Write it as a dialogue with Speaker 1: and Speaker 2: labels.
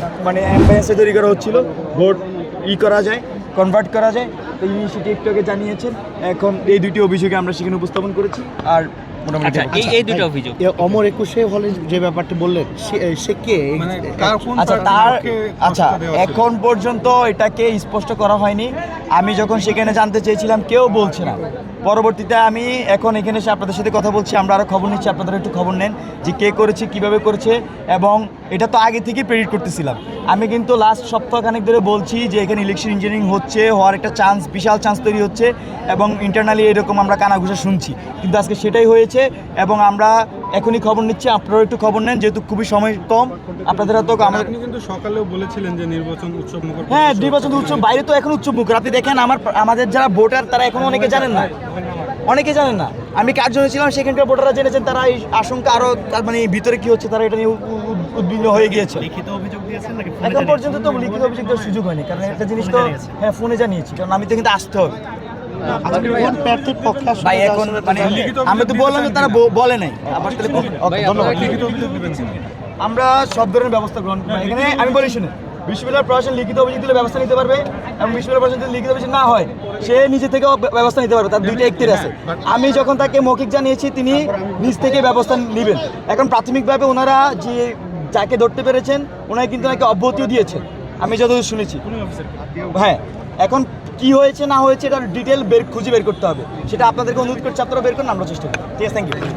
Speaker 1: মানে অ্যাম্বাসে তৈরি করা হচ্ছিল, ভোট করা যায়, কনভার্ট করা যায়। তো ইনি সেটি একটু আগে জানিয়েছেন। এখন এই দুটি অভিযোগে আমরা সেখানে উপস্থাপন করেছি। আর মোটামুটি
Speaker 2: এই দুটো অভিযোগ
Speaker 3: অমর 21 হলে যে ব্যাপারটা বললেন সে কে?
Speaker 1: আচ্ছা এখন পর্যন্ত এটাকে স্পষ্ট করা হয়নি। আমি যখন সেখানে জানতে চেয়েছিলাম কেউ বলছে না। পরবর্তীতে আমি এখন এখানে এসে আপনাদের সাথে কথা বলছি, আমরা আরও খবর নিচ্ছি, আপনারা একটু খবর নেন যে কে করেছে, কিভাবে করেছে। এবং এটা তো আগে থেকেই প্রেডিক্ট করতেছিলাম। আমি কিন্তু লাস্ট সপ্তাহখানেক ধরে বলছি যে এখানে ইলেকশন ইঞ্জিনিয়ারিং হচ্ছে, হওয়ার একটা চান্স, বিশাল চান্স তৈরি হচ্ছে এবং ইন্টারনালি এরকম আমরা কানাঘুষা শুনছি, কিন্তু আজকে সেটাই হয়েছে। এবং আমরা এখনই খবর নিচ্ছি, আপনারাও একটু খবর নেন, যেহেতু খুবই সময় কম আপনাদের তো।
Speaker 4: আপনি কিন্তু সকালেও বলেছিলেন যে নির্বাচন উৎসব মুখর।
Speaker 1: হ্যাঁ, নির্বাচন উৎসব, বাইরে তো এখন উৎসব মুখর। আপনি দেখেন আমাদের যারা ভোটার তারা এখন অনেকে জানেন না, আমি কার জন্য ছিলাম সেখানকার ভোটাররা জেনেছেন। তারা এই আশঙ্কা আরও, তার মানে ভিতরে কি হচ্ছে তারা এটা নিয়ে উদ্বিগ্ন হয়ে গিয়েছে।
Speaker 3: লিখিত অভিযোগ দিয়েছেন নাকি?
Speaker 1: এখন পর্যন্ত তো লিখিত অভিযোগ দেওয়ার সুযোগ হয়নি, কারণ একটা জিনিস তো হ্যাঁ ফোনে জানিয়েছি, কারণ আমি তো কিন্তু আসতে হবে।
Speaker 3: কোন প্রার্থীর পক্ষে আসলে
Speaker 1: ভাই এখন মানে আমি তো বললাম যে তারা বলে নাই। আবার তাহলে ওকে, ধন্যবাদ।
Speaker 4: লিখিত অভিযোগ দিবেন।
Speaker 1: আমরা সব ধরনের ব্যবস্থা গ্রহণ করি। এখানে আমি বলি শুনে, বিশ্ববিদ্যালয় প্রশাসন লিখিত অভিযোগ দিলে ব্যবস্থা নিতে পারবে, এবং বিশ্ববিদ্যালয় প্রশাসন যদি লিখিত অভিযোগ না হয় সে নিজে থেকেও ব্যবস্থা নিতে পারবে। তার দুইটা এখতিয়ার আছে। আমি যখন তাকে মৌখিক জানিয়েছি তিনি নিজ থেকে ব্যবস্থা নেবেন। এখন প্রাথমিকভাবে ওনারা যে যাকে ধরতে পেরেছেন ওনাকে কিন্তু নাকি অব্যাহতিও দিয়েছেন, আমি যতদূর শুনেছি। হ্যাঁ, এখন কি হয়েছে না হয়েছে এটার ডিটেল খুঁজে বের করতে হবে, সেটা আপনাদেরকে অনুরোধ করছি, আপনারা বের করুন, আমরা চেষ্টা করি। ঠিক আছে, থ্যাংক ইউ।